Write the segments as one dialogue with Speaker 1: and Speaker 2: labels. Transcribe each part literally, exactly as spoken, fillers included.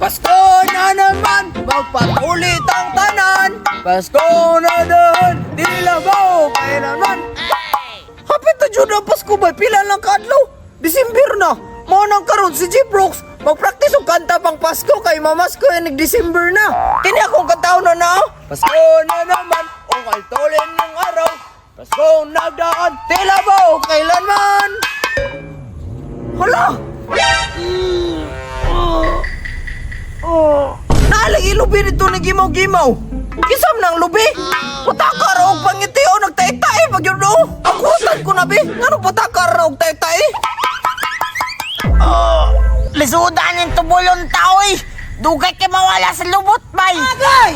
Speaker 1: Pasko na naman, magpatulit ang tanan. Pasko na dahan, di labaw kailanman. Hapit na dyan ang Pasko ba? Pila lang kadlaw? December na. Mao nang karon si G-Prox magpraktis og kanta pang Pasko kay mamasko yung nag-December na. Kini akong kataon na na. Pasko na naman, o kaltolin ng araw. Pasko nagdaan, tila ba o kailanman. Hala! Naalang ilubi nito na gimaw-gimaw. Kisam ng lubi. Patakar og pangiti o nagtae-tae pag yun o. Akutan ko na bi. Ngano patakar og tae-tae?
Speaker 2: Oh, lisudan yung tubulong tao eh. Dugay kay mawala sa lubot, bay.
Speaker 1: Agay!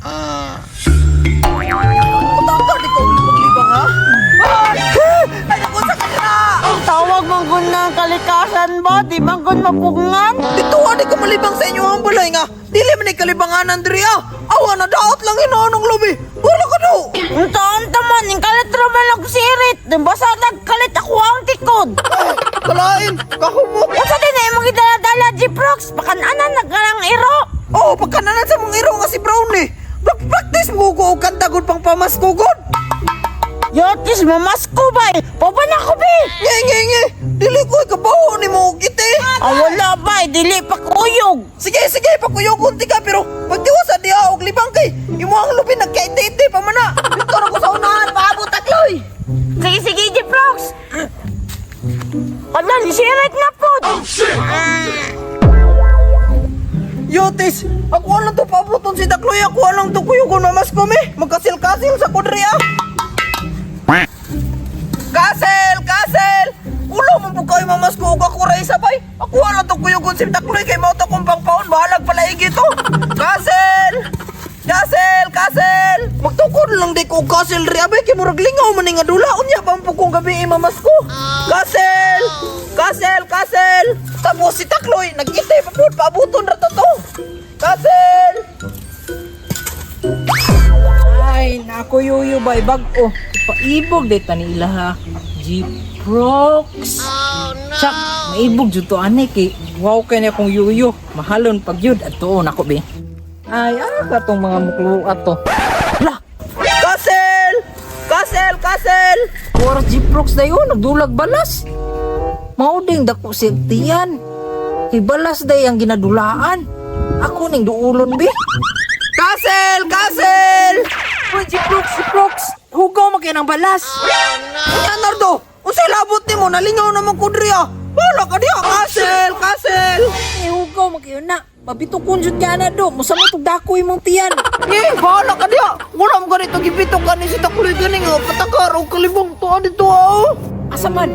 Speaker 1: Patakar di ko libang-libang ha? Ay naku sa kanya!
Speaker 2: Tawag manggun ng kalikasan ba? Di manggun mapungan?
Speaker 1: Dito nga di ko malibang sa inyo ang balay nga. Dili man ay kalibangan Andrea. Awa na daot lang inaanong lubi. Wala ka daw.
Speaker 2: Unta-unta man, yung kalit raman ang sirit. Basta nagkalit ako ang tikod.
Speaker 1: Kalain, kahumok.
Speaker 2: Unsa din ay mga dala-dala, G-Prox. Pakananan nagkarang iro.
Speaker 1: Oo, oh, pagkananan sa mong iro nga si Brownie. Mag-practice mo ko og kantagod pang pamaskugod.
Speaker 2: Yotis, mamasko ba eh. Paban ako, be.
Speaker 1: Nge, nge, nge. Dili ko ikabaho ni mo og ite.
Speaker 2: Ah, wala ba eh. Dili pa kuyog.
Speaker 1: Sige, sige, pakuyogon ti ka. Pero pagtiwasa diha og libang kay. Imo ang lubi nagkaite-ite pa man na. Dito na ko sa unahan, paabot tatloy.
Speaker 2: Sige, sige, G-Prox. Ala, sirit na po. Oh, shit.
Speaker 1: Yotis, ako lang to paaboton si Takloy. Ako lang to kuyogon na mas kumi. Magkasil-kasil sa kudriya. Kasel! Kasel! Ulo mo po kayo mamas ko ako ray sabay. Ako wala to kuyugon si Takloy kay mauto kong pangpaon. Bahalag pala ito. Kasel! Kasel! Kasel! Magtukod lang di ko kasel ri. Abay kay murag lingaw man nga dula. Unya pa po kong gabi mamas ko. Kasel! Kasel! Kasel! Tapos si Takloy nagkitay pa po. Paabuton ra to to. Kasel!
Speaker 3: Ay, nako yuyo bay bag-o. Paibog dito ni ila ha. G-Prox. Oh no. Sak, maibog jud to ane kay wow kay na kong yuyo. Mahalon pag yun at tuon ako be. Ay, ano ba tong mga muklo ato? Hala,
Speaker 1: Kasel! Kasel! Kasel!
Speaker 3: oras G-Prox dayo nagdulag balas. Mauding dako si tiyan. Kay balas day ang ginadulaan. Ako ning duulon be.
Speaker 1: Kasel! Kasel!
Speaker 3: Uy, G-Prox, G-Prox. Hugaw mo kayo ng balas.
Speaker 1: Unya Nardo, unsay labot nimo nalingaw naman kudriya. Wala ka diha Kasel! Kasel!
Speaker 3: Eh, hugaw mo kayo na. Mabito kunjud ka na do. Musa mo itong dako imong tiyan.
Speaker 1: Eh, bahala ka diha. Wala mo ganito gibitok ka ni si Takloy gani nga patakar o kalibong to dito ah.
Speaker 3: Asa man?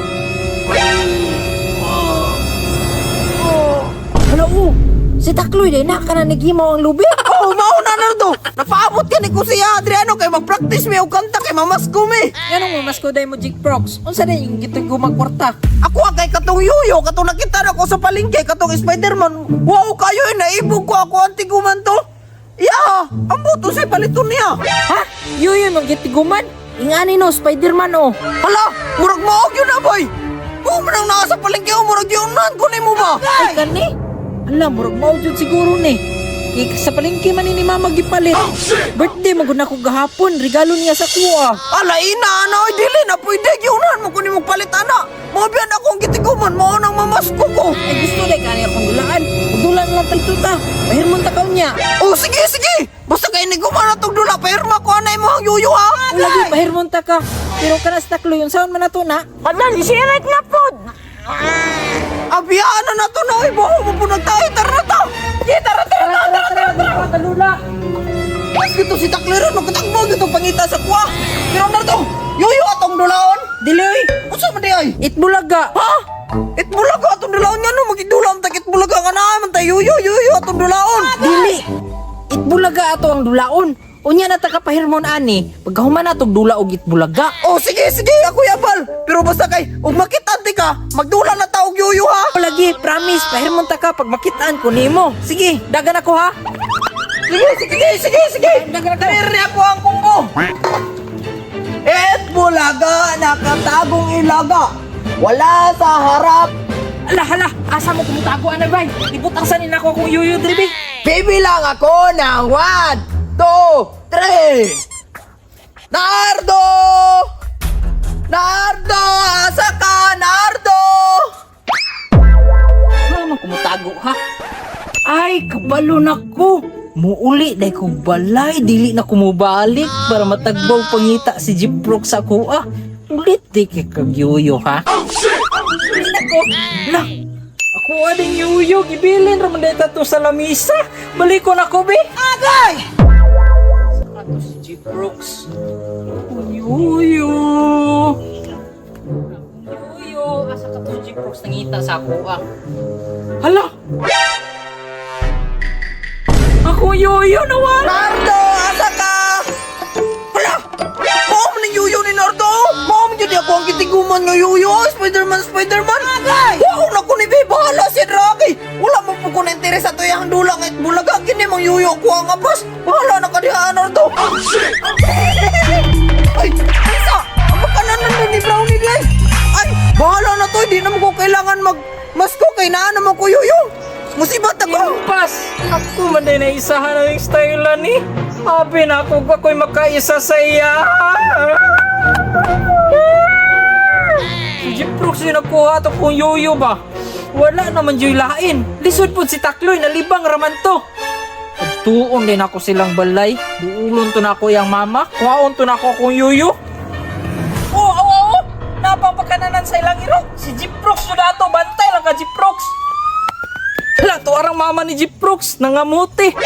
Speaker 3: Hala, oh. Si Takloy day na ka na nagimaw ang lubi.
Speaker 1: Oh, mauna Nardo. Napaabot ka ni ko siya Adriano kay mag-practice mi og kanta kay mamas ko mi.
Speaker 3: Ganun mo, mas ko day mo, G-Prox. Unsa day yung gito'y gumagkwarta?
Speaker 1: Ako kay katong yuyo, katong nakita na ko sa palengke, katong Spider-Man. Wow, kayo eh, naibog ko ako ang tiguman to. Yeah, ang buto siya paliton niya.
Speaker 3: Ha? Yuyo, magitiguman? Ingani no, Spider-Man oh.
Speaker 1: Hala, murag maog yun na boy. Oh, manang nasa palengke o murag yun nan, kunin mo ba?
Speaker 3: Ay, kani? Alam, murag maudyon siguro ni. Ika sa palengke man ni Mama gipalit. Birthday mo guna ko gahapon, regalo niya sa kuha.
Speaker 1: Ala, ina, ana, oy, dili na pwede yunan mo kunin mong palit, ana. Mabiyan akong gitiguman, mo nang mamasko ko.
Speaker 3: Ay gusto day kani akong dulaan. Dulaan lang talito ta. Pahirmon ta kaw niya.
Speaker 1: Oh, sige, sige. Basta kayo ni gumana tong dula, pahirma ko anay mo ang yuyo, ha?
Speaker 3: Lagi pahirmon ta ka. Pero kanas Takloy yung sound man nato na.
Speaker 2: Ala, sirit na po.
Speaker 1: Abiyaan na na to na, oy, buho mo po nagtayo, tara na to. Sige, tara, tara,
Speaker 3: Tara, tara, tara, tara, talula.
Speaker 1: Mas gito si Takliran, magkatagbo gito pangita sa kuha. Pero na to, yuyo atong dulaon.
Speaker 3: Diloy,
Speaker 1: Unsa man di ay?
Speaker 3: itbulaga.
Speaker 1: Ha? Itbulaga atong dulaon nga no, magidulaon ta itbulaga nga na man tayo yuyo yuyo atong dulaon.
Speaker 3: Dili. Itbulaga ato ang dulaon. Unya na taka pahirmon ani. Pagkahuman natog dula og itbulaga.
Speaker 1: Oh, sige, sige, ako yapal. Pero basta kay, ug makitanti ka, magdula na ta og yuyo ha.
Speaker 3: O lagi, promise, pahirmon ta ka pag makitaan ko nimo. Sige, dagan ako ha.
Speaker 1: Sige, sige, sige, sige.
Speaker 3: Dagan ako.
Speaker 1: Dali ako ang kumbo. Et bulaga nakatagong ilaga. Wala sa harap,
Speaker 3: Ala, hala, asa mo kumutago, anay bay? Ibutang sanin ako kung yuyo, dribi.
Speaker 1: Bibilang ako ng one, two, three. Nardo! Nardo! Asa ka, Nardo?
Speaker 3: Ano kumutago, ha? Ay, kabalo na ko. Muuli, dahil ko balay, dili na kumubalik para matagbaw pangita si Jiprox sa kuha. Ulit, di kay kagyuyo, ha? Oh, shit! Ulit ako. Lah, ako ading yuyo, gibilin raman dahil tato sa lamisa. Balik ko na ko, be.
Speaker 1: Agay!
Speaker 3: Saka to si Jiprox. Yuyo. Yuyo, asa ka to si Jiprox nangita sa kuha. Hala! Ako yuyo naman!
Speaker 1: Nardo! Asa ka? Hala! Mao man ang yuyo ni Nardo! Mao man yun ako ang kitiguman ng yuyo! Spider-Man, Spider-Man! Agay! Wow! Naku ni Be! Bahala si Rocky! Wala mo po ko na interes sa tuyang dulang at bulaga. Kini mang yuyo ko ang abas! Bahala na kadihaan, Nardo! Oh, shit! Ay! Isa! Ang makananan na ni Brownie di ay! Ay! Bahala na to! Hindi naman ko kailangan mag... Masko kay naan naman ko yuyo! Musibat ako!
Speaker 3: Impas! Ako man din na isahan ng style ni. Abi na ako ako'y makaisa sa iya. Si Jiprox yung nagkuha to kung yuyo ba? Wala naman yung lain. Lisod po si Takloy, nalibang raman to. Tuon din ako silang balay. Duulon to na ako yung mama. Kuhaon to na ako kung yuyo. Oo, oo, oo! Napapakananan sa ilang iro. Si Jiprox yun dato. Bantay lang ka, Jiprox. Hala, to arang mama ni Jiprox, nangamuti.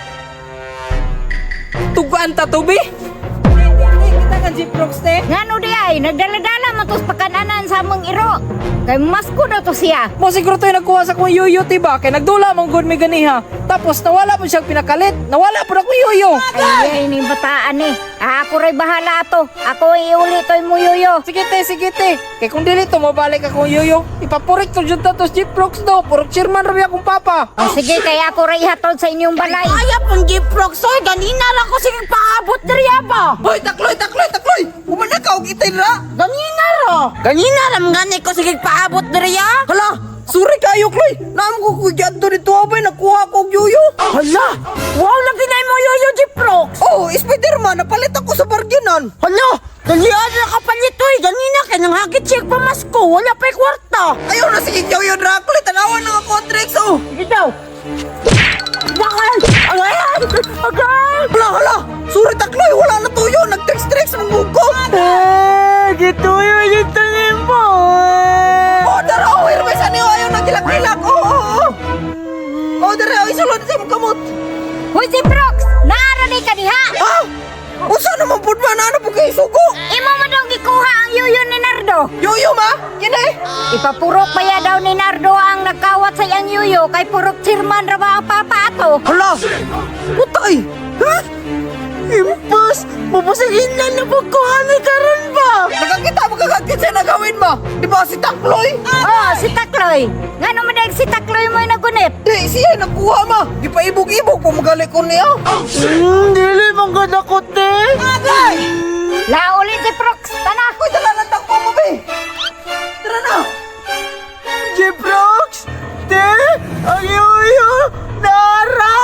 Speaker 3: Tugaan ta to, be. Hindi, hindi, kita ka Jiprox, te.
Speaker 2: Ngano di ay, nagdala-dala mo tos pakananan sa among iro. Kay masko daw to siya.
Speaker 3: Mo siguro to yung nagkuha sa kong yuyo, tiba? Kaya nagdula mong good may ganiha. Tapos nawala po siyang pinakalit. Nawala po na kong yuyo.
Speaker 2: Ay, ini bataan eh. Ah, ako rin bahala to. Ako iuli to mo yuyo.
Speaker 3: Sige, te, sige, te. Kaya kung dili to, mabalik akong yuyo. Ipapurik to dyan to si Jiprox do. Purok chairman rabi akong papa.
Speaker 2: O sige, kaya ako rin ihatod sa inyong balay. Ay, apong Jiprox, oy, ganina lang ko sige paabot diri ba?
Speaker 1: Hoy! Takloy! Takloy! Takloy! Umanakaw kita na!
Speaker 2: Ganina ro. Ganina ram gani ko sige paabot diri ya.
Speaker 1: Hala! Sorry kayo, Kloy! Naam ko kugyat to dito abay, nakuha ko og yuyo!
Speaker 2: Hala, wow lagi na mo yuyo Jiprox.
Speaker 1: Oh, Spider-Man, napalit ako sa barganan!
Speaker 2: Hala, dalian na kapalit oy. Ganina kay nang hagit siya pamasko. Wala pa'y kwarta.
Speaker 1: Ayaw na sige yuyo, Dracula! Tanawan na nga contracts, oh!
Speaker 2: Sige daw. Bakal! Agay! Agay!
Speaker 1: Hala, hala! Sorry, Takloy! Wala na tuyo! Nag-tricks-tricks ng buko!
Speaker 3: Eh, gito yun yung tanim mo.
Speaker 1: Oh, dara! Oh, hirmay sa niyo! Ayaw na gilak-gilak! Oh, oh, oh! Oh, dara! Oh, isulod sa mong kamot!
Speaker 2: Hoy Jiprox, naara ni ka diha.
Speaker 1: Ha? Usa naman po ba na ano po kayo sugo?
Speaker 2: Imo man daw gikuha ang yuyo ni Nardo.
Speaker 1: Yuyo, ma? Yan eh!
Speaker 2: Ipapurok pa ya daw ni Nardo ang nagkawat sa iyang yuyo kay purok chairman ra ba ang papa ato.
Speaker 1: Hala! Putay! Ha? Impas! Mapasagin na na pagkuhan ni karon ba? Nakakita magkakakit siya na gawin ba? Di ba si Takloy?
Speaker 2: Oh, si Takloy. Ngano man dahil si Takloy mo nagunit?
Speaker 1: Di, siya nagkuha ma! Di pa ibog-ibog kung magaling ko niya!
Speaker 3: Hmm, dili mong gadakot, te.
Speaker 1: Agay!
Speaker 2: Lauli Jiprox, tana.
Speaker 1: Uy, dala ng takpo mo, be! Tara na!
Speaker 3: Jiprox, te, ang yuyo, nara.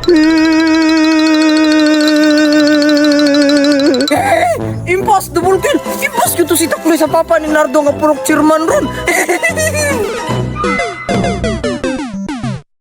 Speaker 1: Eh! Impas! Double kill! Impas ko to si Takloy sa papa ni Nardo nga purok chairman ron!